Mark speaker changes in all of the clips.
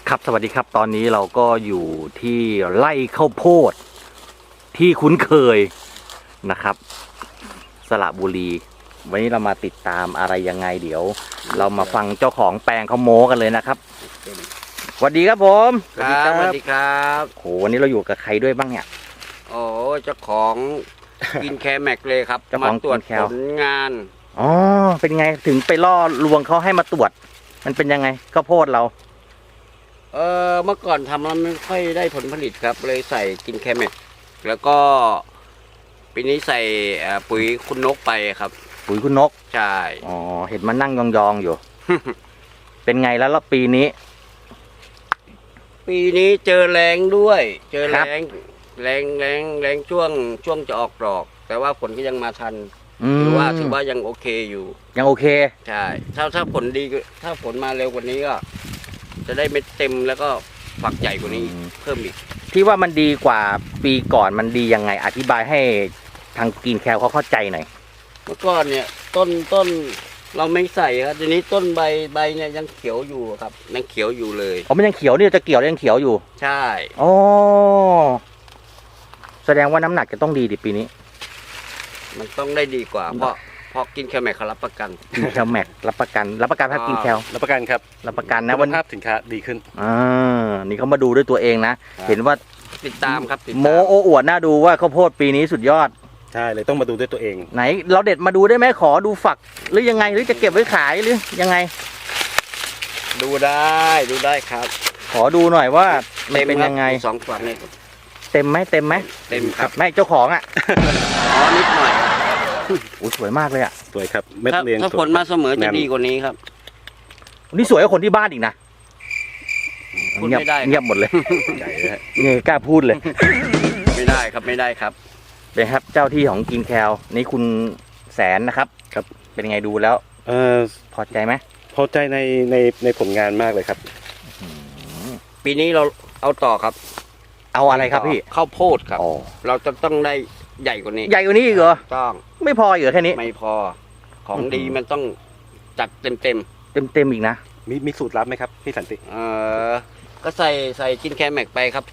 Speaker 1: ครับสวัสดีครับตอนนี้เราก็อยู่ที่ไร่ข้าวโพดที่คุ้นเคยนะครับสระบุรีวันนี้เรามาติดตามอะไรยังไงเดี๋ยว เรามาฟังเจ้าของแปลงเขาโม้กันเลยนะครับสวัสดีครับผม
Speaker 2: ครับสวัสดีครับ
Speaker 1: โหวันนี้เราอยู่กับใครด้วยบ้างเนี่ย
Speaker 2: โอ้เจ้าของกินแคร์แม็กเลยครับ
Speaker 1: เจ้าของ
Speaker 2: มาตรวจ
Speaker 1: กินแคร์
Speaker 2: ผลงาน
Speaker 1: อ๋อเป็นไงถึงไปล่อลวงเขาให้มาตรวจ มันเป็นยังไงข้าวโพดเรา
Speaker 2: เมื่อก่อนทำแล้วไม่ค่อยได้ผลผลิตครับเลยใส่กินแคร์แม็กแล้วก็ปีนี้ใส่ปุ๋ยคุณนกไปครับ
Speaker 1: ปุ๋ยคุณนก
Speaker 2: ใช่
Speaker 1: อ๋อเห็นมันนั่งยองๆอยู่ เป็นไงแล้วปีนี้
Speaker 2: ปีนี้เจอแรงด้วย เจอ
Speaker 1: ครั
Speaker 2: แร
Speaker 1: บ
Speaker 2: งแรงช่วงจะออกดอก แต่ว่าผลก็ยังมาทัน ถือว่ายังโอเคอยู่
Speaker 1: ยังโอเค
Speaker 2: ใช่ถ้าผลดีถ้าผลมาเร็วกว่านี้ก็ จะได้เม็ดเต็มแล้วก็ฝักใหญ่กว่านี้
Speaker 1: อืม
Speaker 2: เพิ่มอีก
Speaker 1: ที่ว่ามันดีกว่าปีก่อนมันดียังไงอธิบายให้ทางกินแคลเขาเข้าใจหน่อย
Speaker 2: เมื่อก่อนเนี่ยต้นเราไม่ใส่ครับทีนี้ต้นใบเนี่ยยังเขียวอยู่ครับยังเขียวอยู่เลย
Speaker 1: อ๋อมันยังเขียวนี่จะเกี่ยวยังเขียวอยู่
Speaker 2: ใช่
Speaker 1: อ๋อแสดงว่าน้ำหนักจะต้องดีดิปีนี้
Speaker 2: มันต้องได้ดีกว่า เพราะกินแคลแมกเขารับประกัน
Speaker 1: กินแคลแม็กรับประกันภาพกินแคล
Speaker 3: รับประกันครับ
Speaker 1: รับประกันนะ
Speaker 3: คุ
Speaker 1: วัน
Speaker 3: ณภาพสินค้าดีขึ้น
Speaker 1: นี่เขามาดูด้วยตัวเองนะ เห็นว่า
Speaker 2: ติดตามครับติด
Speaker 1: โม
Speaker 2: ตาม
Speaker 1: โอ้อวดน่าดูว่าข้าวโพดปีนี้สุดยอด
Speaker 3: ใช่เลยต้องมาดูด้วยตัวเอง
Speaker 1: ไหน เราเด็ดมาดูได้ไหมขอดูฝักหรือยังไงหรือจะเก็บไว้ขายหรือยังไง
Speaker 2: ดูได้ครับ
Speaker 1: ขอดูหน่อยว่ามันเป็น
Speaker 2: ครับ
Speaker 1: ยังไง
Speaker 2: สองฝักเนี่ย
Speaker 1: เต็มไหม
Speaker 2: เต็มครับ
Speaker 1: ไม่เจ้าของอ่ะ
Speaker 2: อ๋อนิดหน่อย
Speaker 1: โอ้สวยมากเลยอ่ะ
Speaker 3: สวยครับเม็ด
Speaker 2: ถ้า
Speaker 3: เรียง
Speaker 2: ถ้า
Speaker 3: สวย
Speaker 2: ผลมาเสมอจะ
Speaker 3: แน่น
Speaker 2: ดีกว่านี้ครับ
Speaker 1: นี่สวยกว่าคนที่บ้านอีกนะ
Speaker 2: พูดไม่ได้ครับ
Speaker 1: เงียบหมดเลย
Speaker 3: ใหญ่เลยฮะ
Speaker 1: นี่กล้าพูดเลย
Speaker 2: ไม่ได้ครับ
Speaker 1: เป็นครับเจ้าที่ของกินแคลนี่คุณแสนนะครับ
Speaker 3: ครับ
Speaker 1: เป็นไงดูแล้ว
Speaker 3: เอ่อ
Speaker 1: พอใจไหม
Speaker 3: พอใจในผลงานมากเลยครับ
Speaker 2: ปีนี้เราเอาต่อครับ
Speaker 1: เอาอะไรครับพี่
Speaker 2: ข้าวโพดครับ
Speaker 1: อ๋อ
Speaker 2: เราจะต้องได้ใหญ่กว่านี้
Speaker 1: ใหญ่กว่านี้อีกเหรอ
Speaker 2: ต้อง
Speaker 1: ไม่พออีกเหรอแค่นี้
Speaker 2: ไม่พอของ
Speaker 1: อื้อหือ
Speaker 2: ดีมันต้องจัดเต็ม
Speaker 1: เต็มอีกนะ
Speaker 3: มีสูตรลับไหมครับพี่สันติ
Speaker 2: ก็ใส่กินแคร์แม็กไปครับ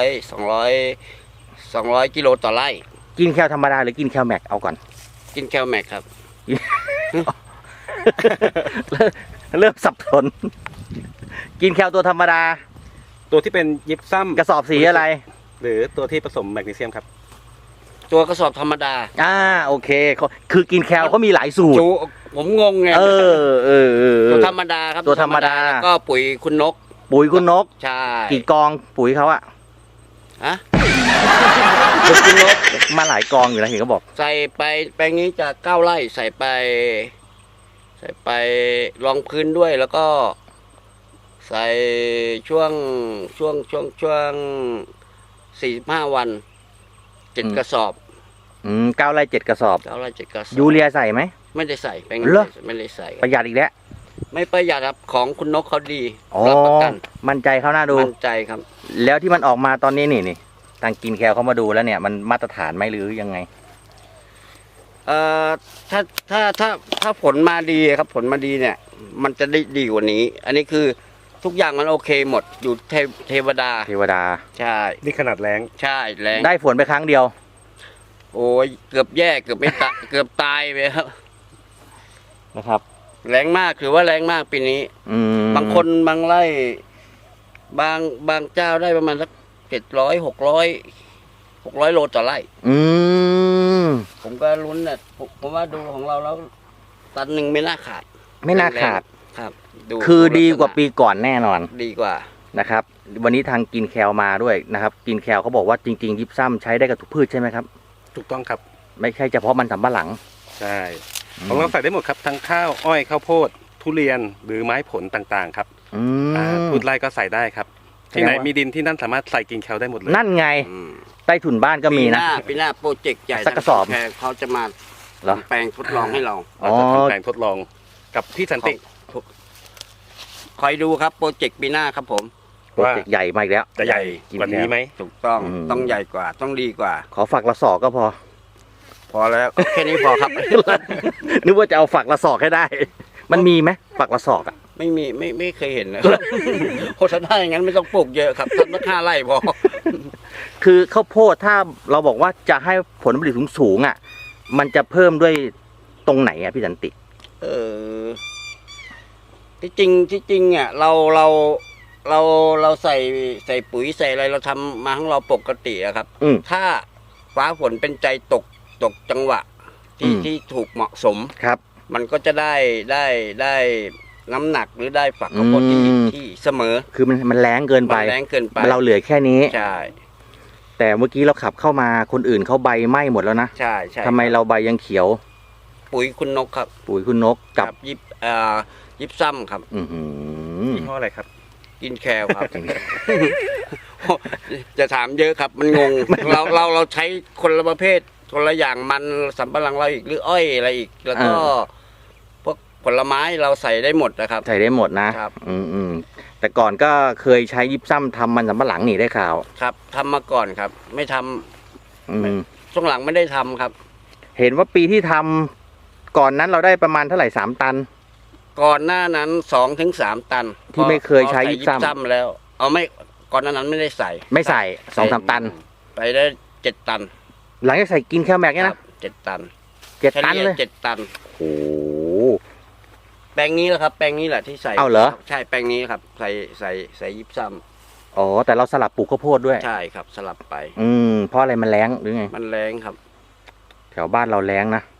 Speaker 2: 200กิโลต่อไร่
Speaker 1: กินแคลธรรมดาหรือกินแคลแม็กเอาก่อน
Speaker 2: กินแคร์แม็กครับ
Speaker 1: เริ่มสับสน กินแคลตัวธรรมดา
Speaker 3: ตัวที่เป็นยิปซัม
Speaker 1: กระสอบสีอะไร
Speaker 3: หรือตัวที่ผสมแมกนีเซียมครับ
Speaker 2: ตัวกระสอบธรรมดา
Speaker 1: โอเคคือกินแคลเขามีหลายสูตร
Speaker 2: จูผมงงไง
Speaker 1: เออ
Speaker 2: ตัวธรรมดาครับ
Speaker 1: ตัวธรรมดา
Speaker 2: แล้วก็ปุ๋ยคุณนก
Speaker 1: ปุ๋ยคุณนก
Speaker 2: ใช่
Speaker 1: กี่กองปุ๋ยเขาอะ
Speaker 2: ฮะปุ๋ยคุณนก
Speaker 1: มาหลายกองอยู่นะเห็นเขาบอก
Speaker 2: ใส่ไปแปลงนี้จะ9 ไร่ใส่ไปรองพื้นด้วยแล้วก็ใส่ช่วง45 วัน7 กระสอบ
Speaker 1: 9 ไร่ 7 กระสอบ
Speaker 2: 9 ไร่7 กระสอบ
Speaker 1: ยูเรียใส่ไหม
Speaker 2: ไม่ได้ใส่แปลง
Speaker 1: เหรอ
Speaker 2: ไม่ได้ใส่
Speaker 1: ประหยัดอีกแล้ว
Speaker 2: ไม่ประหยัดครับของคุณนกเขาดี
Speaker 1: อ๋อ
Speaker 2: รับประกัน
Speaker 1: มั่นใจเขาน่าดู
Speaker 2: มั่นใจครับ
Speaker 1: แล้วที่มันออกมาตอนนี้นี่ทางกินแคลเขามาดูแล้วเนี่ย มันมาตรฐานไหมหรือยังไง
Speaker 2: ถ้าผลมาดีครับผลมาดีเนี่ย มันจะได้ดีกว่านี้ อันนี้คือทุกอย่างมันโอเคหมดอยู่เทวดา
Speaker 1: เทวดา
Speaker 2: ใช่
Speaker 3: นี่ขนาดแรง
Speaker 2: ใช่แรง
Speaker 1: ได้ฝนไปครั้งเดียว
Speaker 2: โอ้ยเกือบแย่เกือบไม่ตาย เกือบตายไปครับ
Speaker 1: นะครับ
Speaker 2: แรงมากถือว่าแรงมากปีนี้ บางคนบางไร่บางเจ้าได้ประมาณสัก600 โลต่อไร่ ผมก็ลุ้นน่ะผมว่าดูของเราแล้วตันหนึ่งไม่น่าขาด
Speaker 1: ไม่น่าขาด
Speaker 2: ครับ
Speaker 1: คือดีกว่าปีก่อนแน่นอน
Speaker 2: ดีกว่า
Speaker 1: นะครับ วันนี้ทางกินแคลมาด้วยนะครับ กินแคลเขาบอกว่าจริงๆยิปซัมใช้ได้กับทุกพืชใช่ไหมครับ
Speaker 3: ถูกต้องครับ
Speaker 1: ไม่ใช่เฉพาะมันสำปะหลัง
Speaker 3: ใช่ของเราใส่ได้หมดครับทั้งข้าวอ้อยข้าวโพด ทุเรียนหรือไม้ผลต่างๆครับ
Speaker 1: อืม
Speaker 3: พืชไร่ก็ใส่ได้ครับ ที่ไหนมีดินที่นั่นสามารถใส่กินแคลได้หมดเลย
Speaker 1: นั่นไง
Speaker 2: อืม
Speaker 1: ใต้ถุนบ้านก็มีนะ
Speaker 2: ปีหน้าโปรเจกต์ใหญ่
Speaker 1: สักกระสอบ
Speaker 2: แพงเขาจะมา
Speaker 1: เหรอ
Speaker 2: ทำแปลงทดลองให้เรา
Speaker 3: เราจะทำแปลงทดลองกับพี่สันติ
Speaker 2: คอยดูครับโปรเจกต์ปีหน้าครับผม
Speaker 1: โปรเจกต์ใหญ่มาอีกแล้ว
Speaker 3: จะใหญ่
Speaker 1: กิน
Speaker 3: กว่านี้ไหม
Speaker 2: ถูกต้อง
Speaker 1: อืม
Speaker 2: ต้องใหญ่กว่า ต้องดีกว่า
Speaker 1: ขอฝักละศอกก็พอ
Speaker 2: พอแล้ว แค่นี้พอครับ
Speaker 1: นึกว่าจะเอาฝักละศอกให้ได้ มันมีไหมฝักละศอกอ่ะ
Speaker 2: ไม่เคยเห็นนะโคตรถ้าอย่างนั้นไม่ต้องปลูกเยอะครับทำสัก5 ไร่พอ
Speaker 1: คือข้าวโพดถ้าเราบอกว่าจะให้ผลผลิตสูงๆอ่ะ มันจะเพิ่มด้วยตรงไหนอ่ะพี่สันติ
Speaker 2: ที่จริงอ่ะเราใส่ปุ๋ยใส่อะไรเราทำมาของเราปกติอะครับ
Speaker 1: อืม
Speaker 2: ถ้าฟ้าฝนเป็นใจตกจังหวะที่ถูกเหมาะสม
Speaker 1: ครับ
Speaker 2: มันก็จะได้น้ำหนักหรือได้ฝักข้าวโพดที่เสมอ
Speaker 1: คือมันแรงเกินไป
Speaker 2: มันแรงเกินไป
Speaker 1: เราเหลือแค่นี้
Speaker 2: ใช่
Speaker 1: แต่เมื่อกี้เราขับเข้ามาคนอื่นเขาใบไหม้หมดแล้วนะ
Speaker 2: ใช่ใช่
Speaker 1: ทำไมเราใบยังเขียว
Speaker 2: ปุ๋ยคุณนกครับ
Speaker 1: ปุ๋ยคุณนกกับ
Speaker 2: ยิบซ้ำครับ
Speaker 1: อื้อหือ
Speaker 3: ยี่ห้ออะไรครับ
Speaker 2: กินแคลครับ จะถามเยอะครับมันงง เราใช้คนละประเภทคนละอย่างมันสำปะหลังเราอีกหรืออ้อยอะไรอีก แล้วก็พวกผลไม้เราใส่ได้หมดนะครับ
Speaker 1: ใส่ได้หมดนะครับ อืมแต่ก่อนก็เคยใช้ยิบซ้ำทำมันสำปะหลังนี่ได้ข่าว
Speaker 2: ครับทำมาก่อนครับ ไม่ทำ
Speaker 1: อืม
Speaker 2: ช่วงหลังไม่ได้ทำครับ
Speaker 1: เห็นว่าปีที่ทำก่อนนั้นเราได้ประมาณเท่าไหร่3 ตัน
Speaker 2: ก่อนหน้านั้น2 ถึง 3 ตัน
Speaker 1: ที่ไม่เคยใช้ยิบซ้ำ
Speaker 2: ซ้ำแล้วเอาไม่ก่อนหน้านั้นไม่ได้ใส่
Speaker 1: ไม่ใส่2-3 ตัน
Speaker 2: ไปได้7 ตัน
Speaker 1: หลังจากใส่กินแคลแม็กเนี่ย
Speaker 2: ครั
Speaker 1: นะ
Speaker 2: บ7 ตัน
Speaker 1: 7 ตันเลย
Speaker 2: 7 ตัน
Speaker 1: โอ้โห
Speaker 2: แปลงนี้แหละครับ แปลงนี้แหละที่ใส่
Speaker 1: เอาเหรอ
Speaker 2: ใช่แปลงนี้ครับใส่ยิบซ้
Speaker 1: อ๋อแต่เราสลับปลูกข้าวโพดด้วย
Speaker 2: ำใช่ครับสลับไป
Speaker 1: เพราะอะไรมันแรงหรือไง
Speaker 2: มันแรงครับ
Speaker 1: แถวบ้านเราแรงนะ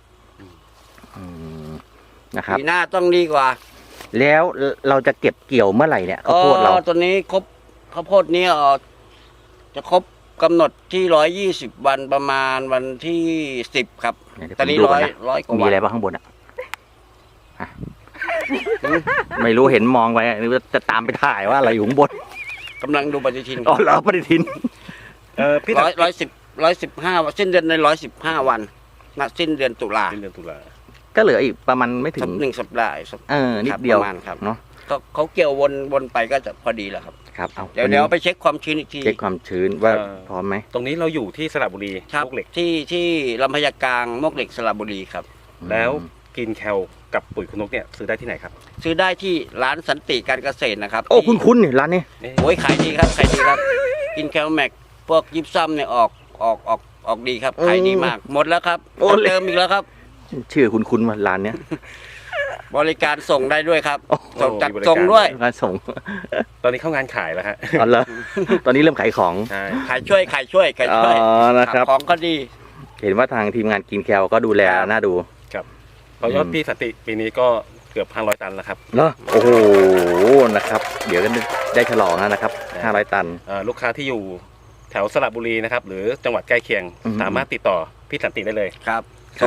Speaker 1: นะครับ
Speaker 2: ปีหน้าต้องดีกว่า
Speaker 1: แล้วเราจะเก็บเกี่ยวเมื่อไหร่เนี่ยข้าวโพดเรา
Speaker 2: ตอนนี้ครบข้าวโพดนี้จะครบกำหนดที่120 วันประมาณวันที่10ครับ
Speaker 1: เดี๋ยว
Speaker 2: ตอนนี้
Speaker 1: ผมดูก่อนนะ
Speaker 2: ร้อยกว่า
Speaker 1: มี
Speaker 2: วัน
Speaker 1: อะไรบ้างข้างบนอ่ะฮะไม่รู้เห็นมองไปนึกว่าจะตามไปถ่ายว่าอะไรอยู่ข้างบน
Speaker 2: กำลังดูปฏิทิน
Speaker 1: อ๋อเหรอปฏิทิน
Speaker 3: พี่ตัด
Speaker 2: 115สิ้นเดือนใน115 วันณสิ้นเดือนตุลา
Speaker 3: เดือนตุลา
Speaker 1: ก็เหลืออีกประมาณไม่ถึง
Speaker 2: 1 สัปดาห์ครับ
Speaker 1: นิดเดียว
Speaker 2: ประมาณครับ
Speaker 1: เนาะ
Speaker 2: เขาเกี่ยววนไปก็จะพอดีแล้วครับ
Speaker 1: ครับเอา
Speaker 2: เดี๋ยวไปเช็คความชื้นอีกที
Speaker 1: เช็คความชื้นว่าพร้อมไหม
Speaker 3: ตรงนี้เราอยู่ที่สระบุรี
Speaker 2: ครับ
Speaker 3: มวกเหล็ก
Speaker 2: ที่ลำพญากลางมวกเหล็กสระบุรีครับ
Speaker 3: แล้วกินแคลกับปุ๋ยคุณนกเนี่ยซื้อได้ที่ไหนครับ
Speaker 2: ซื้อได้ที่ร้านสันติการเกษตรนะครับ
Speaker 1: โอ้
Speaker 2: ที่
Speaker 1: คุ้นๆนี่ร้านนี้
Speaker 2: โอ้ยขายดีครับขายดีครับ กินแคลแม็กพวกยิปซัมเนี่ยออกดีครับขายดีมาก หมดแล้วครับ
Speaker 1: โอ้
Speaker 2: ต้องเติมอีกแล้วครับ
Speaker 1: ชื่อคุ้นๆว่าร้านเนี้ย
Speaker 2: บริการส่งได้ด้วยครับ
Speaker 1: โอ้
Speaker 2: ส่งจัด
Speaker 3: มีบริการ
Speaker 2: ส่งด้วย
Speaker 1: ร้านส่ง
Speaker 3: ตอนนี้เข้างานขายแล้วฮะ
Speaker 1: อ๋อเหรอตอนนี้เริ่มขายของ
Speaker 3: ใช่
Speaker 2: ขายช่วย
Speaker 1: อ๋อนะครับ
Speaker 2: ของก็ดี
Speaker 1: เห็นว่าทางทีมงานกินแคลก็ดูแลน่าดู
Speaker 3: เพราะยอดพี่สนติปีนี้ก็เกือบ500 ตันแล้วครับ
Speaker 1: เหรอโอ้โหนะครับ เดี๋ยวก็ได้ฉลองแล้วนะครับ500 ตัน
Speaker 3: ลูกค้าที่อยู่แถวสระบุรีนะครับ หรือจังหวัดใกล้เคียง
Speaker 1: อืม
Speaker 3: สามารถติดต่อพี่สันติได้เลย
Speaker 2: ครับ
Speaker 3: ครับ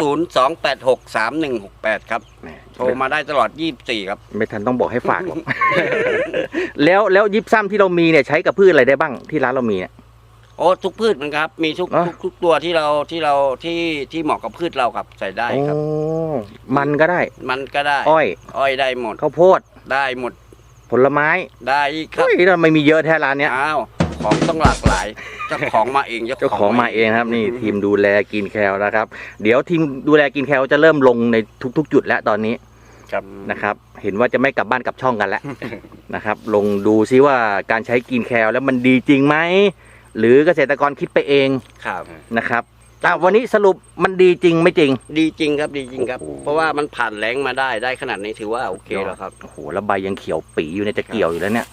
Speaker 2: 0902863168ครับ
Speaker 1: แหม
Speaker 2: โทรมาได้ตลอด24ครับ
Speaker 1: ไม่ทันต้องบอกให้ฝากหรอก แล้วยิปซัมที่เรามีเนี่ยใช้กับพืชอะไรได้บ้างที่ร้านเรามีเนี่ย
Speaker 2: โอ้ทุกพืชมันครับ มีทุก
Speaker 1: อ๋อ
Speaker 2: ทุกตัวที่เหมาะกับพืชเราครับใส่ได้ครับ
Speaker 1: โอ้มันก็ได้
Speaker 2: มันก็ได้
Speaker 1: อ้อย
Speaker 2: อ้อยได้หมด
Speaker 1: ข้าวโพด
Speaker 2: ได้หมด
Speaker 1: ผลไม้
Speaker 2: ได้อีกครับ
Speaker 1: เฮ้ยทำไมมีเยอะแท้ร้านเนี้ย
Speaker 2: อ้าวของต้องหลากหลายเจ้าของมาเอง
Speaker 1: เจ้าของมาเองครับนี่ทีมดูแลกินแคลนะครับ เดี๋ยวทีมดูแลกินแคลจะเริ่มลงในทุกๆ จุดแล้วตอนนี้
Speaker 3: ครับ
Speaker 1: นะครับ เห็นว่าจะไม่กลับบ้านกลับช่องกันแล้ว นะครับ ลงดูซิว่าการใช้กินแคลแล้วมันดีจริงไหมหรือเกษตรกรคิดไปเอง
Speaker 2: ครับ
Speaker 1: นะครับวันนี้สรุปมันดีจริงไม่จริง
Speaker 2: ดีจริงครับดีจริงครับ
Speaker 1: โอ้โห
Speaker 2: เพราะว่ามันผ่านแรงมาได้ขนาดนี้ถือว่าโอเคแล้วครับ
Speaker 1: โอ้โหแล้วใบยังเขียวปีอยู่เนี่ยจะเกี่ยวอยู่แล้วเนี่ย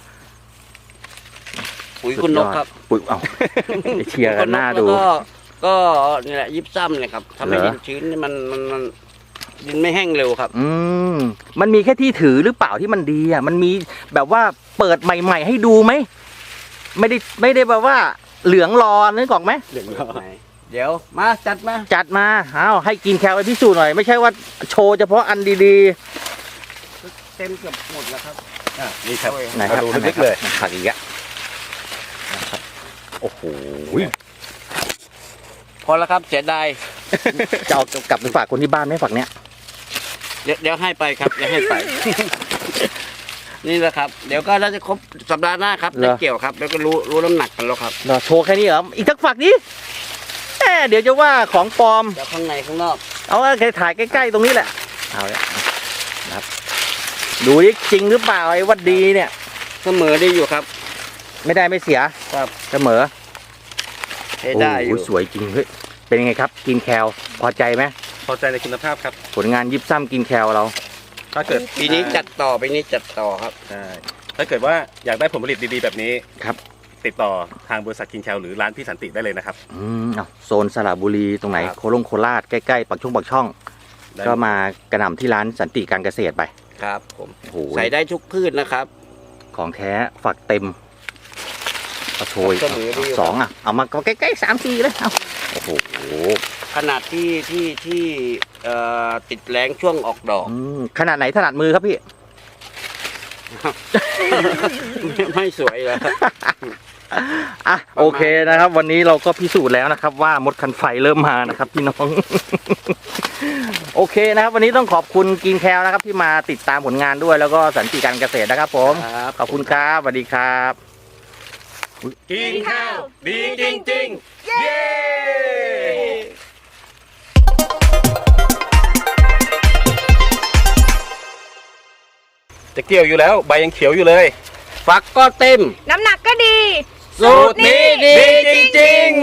Speaker 2: ปุ๋ยคุณนกครับ
Speaker 1: ปุ๋ยเอา ไอ้เชียร์กันหน้าดู
Speaker 2: แล้วก็นี่แหละยิบซ้ำเลยครับทำให้
Speaker 1: เหรอ
Speaker 2: ดินชื้นมันดินไม่แห้งเร็วครับ
Speaker 1: มันมีแค่ที่ถือหรือเปล่าที่มันดีอ่ะมันมีแบบว่าเปิดใหม่ๆให้ดูไหมไม่ได้แบบว่าเหลืองรอนึกออกไหม
Speaker 2: เดี๋ยวมาจัดมา
Speaker 1: จัดมาเอาให้กินแคลไปพิสูจน์หน่อยไม่ใช่ว่าโชว์เฉพาะอันดี
Speaker 2: เต็มเกือบหมดแล้วครับ
Speaker 3: นี่ครับ
Speaker 1: ๆไหนครับ
Speaker 3: ดู
Speaker 1: อันไหน
Speaker 3: ลึก
Speaker 1: ครั
Speaker 3: ๆเลย
Speaker 1: บผักอีกอะนะครับโอ้โห
Speaker 2: พอแล้วครับเสียดาย
Speaker 1: จะเอากลับไปฝากคนที่บ้านไหมฝากเนี้ย
Speaker 2: เดี๋ยวให้ไปครับเดี๋ยวให้ไป นี่แหละครับ เดี๋ยวก็น่าจะครบสัปดาห์หน้าครับได้เกี่ยวครับ แล้วก็รู้น้ำหนักกันแล้วครับ
Speaker 1: เราโชว์แค่นี้เหรออีกสักฝากนี้เดี๋ยวจะว่าของปลอม
Speaker 2: เดี๋ยวข้างในข้างนอก
Speaker 1: เอาแค่ถ่ายใกล้ๆตรงนี้แหละเอาละนะครับดูดิจริงหรือเปล่าไอ้วัดดีเนี่ย
Speaker 2: เสมอได้อยู่ครับ
Speaker 1: ไม่ได้ไม่เสีย
Speaker 2: ครับ
Speaker 1: เสมอ
Speaker 2: ใช้ได้อยู่
Speaker 1: โอ้โหสวยจริงเฮ้ยเป็นยังไงครับกินแคลพอใจไหม
Speaker 3: พอใจในคุณภาพครับ
Speaker 1: ผลงานยิบซ้ำกินแคลเรา
Speaker 3: ถ้าเกิด
Speaker 2: ปีนี้จัดต่อครับ
Speaker 3: ใช่ถ้าเกิดว่าอยากได้ผลผลิตดีๆแบบนี้
Speaker 1: ครับ
Speaker 3: ติดต่อทางบริษัทกินแคลหรือร้านพี่สันติได้เลยนะครับ
Speaker 1: เอาโซนสระบุรีตรงไหน
Speaker 3: ครับ
Speaker 1: โคราชใกล้ๆปักช่อง
Speaker 3: ได้
Speaker 1: ก็มากระหน่ำที่ร้านสันติการเกษตรไป
Speaker 2: ครับผม
Speaker 1: โอ้โห
Speaker 2: ใส่ได้ทุกพืชนะครับ
Speaker 1: ของแท้ฝักเต็มเอาโชย
Speaker 2: เสมอดีอยู่
Speaker 1: สองเอามาใกล้ๆ3-4เลยเอาโอ้โห
Speaker 2: ขนาดที่ติดแรงช่วงออกดอก
Speaker 1: ขนาดไหนถนัดมือครับพี่
Speaker 2: ไม่สวยแล้ว
Speaker 1: อ่ะโอเคนะครับ วันนี้เราก็พิสูจน์แล้วนะครับ ว่ามดคันไฟเริ่มมานะครับ พี่น้อง โอเคนะครับ วันนี้ต้องขอบคุณกินแคลนะครับ ที่มาติดตามผลงานด้วยแล้วก็สันติการเกษตรนะครับ ผม
Speaker 2: ครับ
Speaker 1: ขอบคุณครับสวัสดีครับ
Speaker 3: กินข้าวดีจริงๆ เย้จะเกี่ยวอยู่แล้วใบยังเขียวอยู่เลย
Speaker 2: ฝักก็เต็ม
Speaker 4: น้ำหนักก็ดี
Speaker 2: สูตรนี้ดีจริงๆ